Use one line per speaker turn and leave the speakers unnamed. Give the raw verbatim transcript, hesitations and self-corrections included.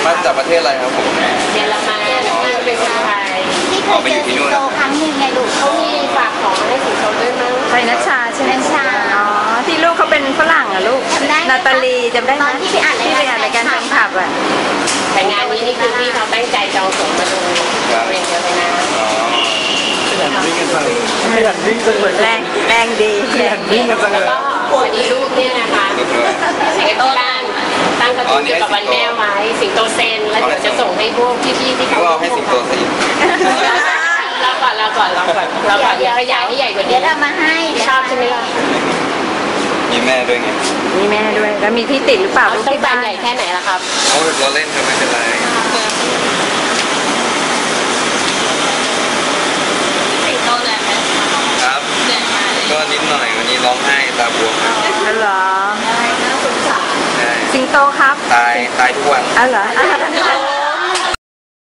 มาจากประเทศอะไรครับผม
เยอรมันเป็นคนไทย
ที่เคยเจอสิงโตครั้งหนึ่งไงลูก
เขามีฝากของให้สิงโตด้วยมั้ง
ไปนัชชาใช่ไหม
นัชชา
อ๋อที่ลูกเขาเป็นฝรั่งอ่ะลูกนาตาลีจำได้ไหม
ที่ไปอ่าน
ที่ไปอ่านรายการทางขับอ่ะ
แต่งานนี้นี่คือพี่เขาตั้งใจจองตั๋วมาดูเรียนเยอะไปนะ
ขยันวิ่งกันจังขยันวิ่งจังเลย
แรงแรงดี
ขยันวิ่งกันจังเลย
แล้วก็วันนี้ลูกเนี่ยนะคะสิงโตบ้านตั้งกระตุ้นเกี่ยวกับวันแม่ไว้สิงโตเซนแล้วเดี๋ยวจะส่งให้พวกพี่ๆที่เขา
ให้สิงโตเซน
เราก่อนเราก่อนเราก่อนเราก่อนเดี๋ยวขยายให้ใหญ่กว่านี้
เดี๋ยวเรามาให้
ชอบใช่ไหมล่ะ
มีแม่ด้วยไง
มีแม่ด้วยแล้วมีที่ติดหรือเปล่า
ต้องบานใหญ่แค่ไหนล่ะครับ
เขาเราเล่นกันไม่เป็นไร
สิงโตแหละ
ครับก็นิดหน่อยวันนี้ร้องไห้ตาบวม
อ๋อเหรอ
น่าสงสาร
สิงโตครับ
ตายตายทุกวัน
อ๋อเหรอ